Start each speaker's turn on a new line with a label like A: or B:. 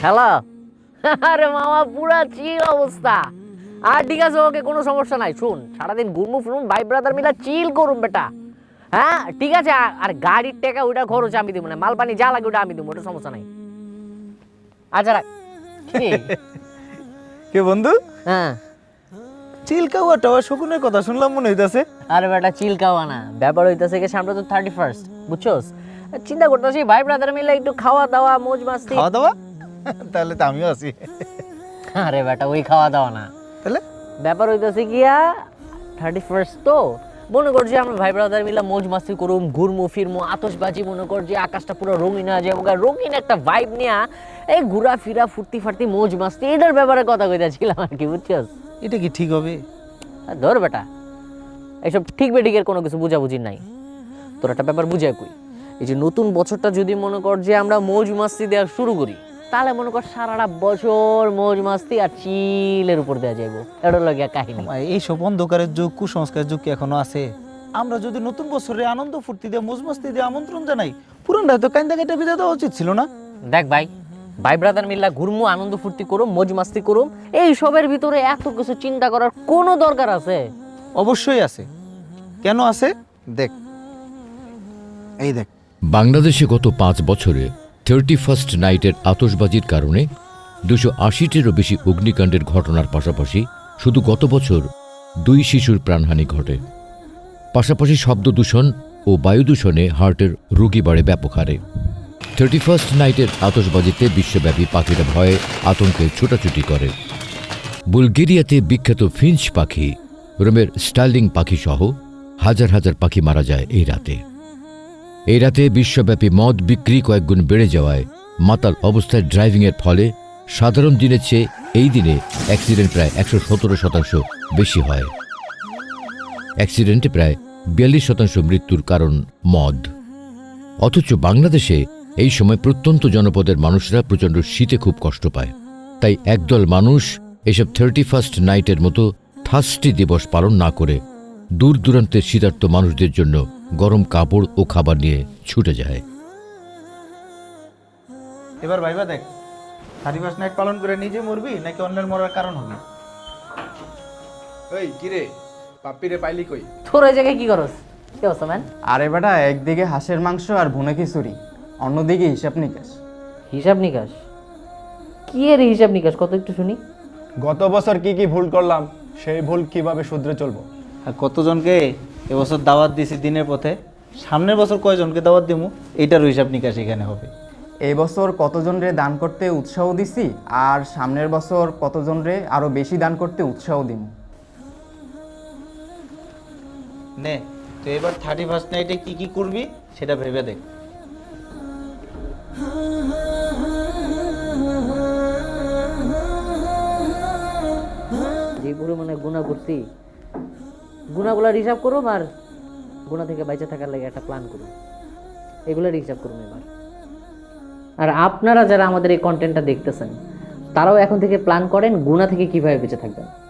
A: Hello. আরে মামা পুরা চিল অবস্থা। আর ঠিক আছে, ওকে, কোনো সমস্যা নাই। শুন, সারাদিন ঘুরমু ফিরমু, ভাই ব্রাদার মিলা চিল করুম বেটা। হ্যাঁ ঠিক আছে। আর গাড়ির টাকা ওইটা খরচ আমি দিব না, মাল পানি যা লাগে ওটা আমি দিব, ওটা সমস্যা নাই। আচ্ছা রাখ। কি?
B: কে বন্ধু?
A: হ্যাঁ।
B: চিলকাওয়া টাওয়া শকুনের কথা শুনলাম মনে হইতাছে।
A: আরে বেটা চিল খাওয়া না, ব্যাপার হইতাছে কি, সামনে তো 31st, বুঝছস? চিন্তা করতেছি ভাই ব্রাদার মিলে একটু খাওয়া দাওয়া মৌজ মাস্তি।
B: খাওয়া দাওয়া? তাহলে তো আমিও আছি।
A: আরে বেটা ওই খাওয়া দাওয়া না,
B: তাহলে
A: ব্যাপার হইতাছে গিয়া 31st তো মনে কর যে আমরা ভাই ব্রাদার মিলে মৌজ মাস্তি করুম, ঘুরমু ফিরমু, আতশবাজি, মনে কর যে আকাশটা পুরো রঙিন হয়ে যাবো, রঙিন একটা ভাইব নিয়া এই ঘুরা ফিরা ফুর্তি ফার্তি মৌজ মাস্তি, এটার ব্যাপারে কথা কইতাছিলাম আর কি, বুঝছস?
B: এটা কি ঠিক হবে?
A: ধর বেটা, এইসব ঠিক বেঠিকের কোনো কিছু বুঝাবুঝি নাই। তোর একটা ব্যাপার বুঝাই কই, এই যে নতুন বছরটা যদি মনে কর যে আমরা মৌজ মাস্তি দেওয়া শুরু করি, তাহলে মনে কর সারাটা বছর মৌজ মাস্তি আর চিলের উপর দেওয়া যাইব। এটা লাগিয়া কাহিনী।
B: এইসব অন্ধকারের যুগ, কুসংস্কারের যুগ কি এখনো আছে? আমরা যদি নতুন বছরে আনন্দ ফুর্তি দিয়ে মৌজ মাস্তি দিয়ে আমন্ত্রণ জানাই, পুরানটা তো কাইন্দা কেটে বিদায় দেওয়া উচিত ছিল না?
A: দেখ ভাই, ভাই ব্রাদার মিল্লা ঘুরমু, আনন্দ ফুর্তি করুম, মৌজ মাস্তি করুম, এই সবের ভিতরে এত কিছু চিন্তা করার কোনো দরকার আছে?
B: অবশ্যই আছে। কেন আছে দেখ, এই দেখ।
C: বাংলাদেশে গত 5 বছরে 31st নাইটের আতশবাজির কারণে 280টিরও বেশি অগ্নিকাণ্ডের ঘটনার পাশাপাশি শুধু গত বছর 2 শিশুর প্রাণহানি ঘটে। পাশাপাশি শব্দ দূষণ ও বায়ু দূষণে হার্টের রোগী বাড়ে ব্যাপক হারে। 31st নাইটের আতশবাজিতে বিশ্বব্যাপী পাখিরা ভয়ে আতঙ্কে ছোটাছুটি করে। বুলগেরিয়াতে বিখ্যাত ফিঞ্চ পাখি, রোমের স্টার্লিং পাখি সহ হাজার হাজার পাখি মারা যায় এই রাতে। এই রাতে বিশ্বব্যাপী মদ বিক্রি কয়েকগুণ বেড়ে যাওয়ায় মাতাল অবস্থায় ড্রাইভিংয়ের ফলে সাধারণ দিনের চেয়ে এই দিনে অ্যাক্সিডেন্ট প্রায় 117% বেশি হয়। অ্যাক্সিডেন্টে প্রায় 42% মৃত্যুর কারণ মদ। অথচ বাংলাদেশে এই সময় প্রত্যন্ত জনপদের মানুষরা প্রচণ্ড শীতে খুব কষ্ট পায়। তাই একদল মানুষ এসব 31st নাইটের মতো থার্স্টি দিবস পালন না করে দূর দূরান্তের শীতার্ত মানুষদের জন্য গরম কাপড় ও খাবার নিয়ে ছুটে যায়।
B: এবার ভাইবা দেখ, 31st নাইট পালন করে নিজে মরবি নাকি অন্যের মরার কারণ হবি?
D: ওই কিরে, পাপ্পিরে পাইলি কই?
A: তোর ওই জায়গায় কি করস? কি অবস্থা ম্যান?
E: আরে বেটা, একদিকে হাঁসের মাংস আর ভুনা খিচুড়ি, অন্যদিকে হিসাব নিকাশ।
A: হিসাব নিকাশ? কি এর হিসাব নিকাশ, কত একটু শুনি।
D: গত বছর কি কি ভুল করলাম, সেই ভুল কিভাবে শুধরে চলবো।
B: আর কতজনকে এবছর দাওয়াত দিছি দিনের পথে, সামনের বছর কয়জনকে দাওয়াত দিমু, এইটার হিসাব নিকাশ এখানে হবে।
E: এই বছর কতজনরে দান করতে উৎসাহ দিছি, আর সামনের বছর কতজনরে আরো বেশি দান করতে উৎসাহ দিম।
B: নে তো এবার 31st নাইটে কি কি করবি সেটা ভেবে দেখ।
A: যে পরিমাণে গুণা করছি, গুণাগুলার হিসাব করুম, আর গুণা থেকে বাইচে থাকার লাগে একটা প্ল্যান করুম, এগুলার হিসাব করুম এবার। আর আপনারা যারা আমাদের এই কন্টেন্টটা দেখতেছেন, তারাও এখন থেকে প্ল্যান করেন গুণা থেকে কিভাবে বেঁচে থাকবেন।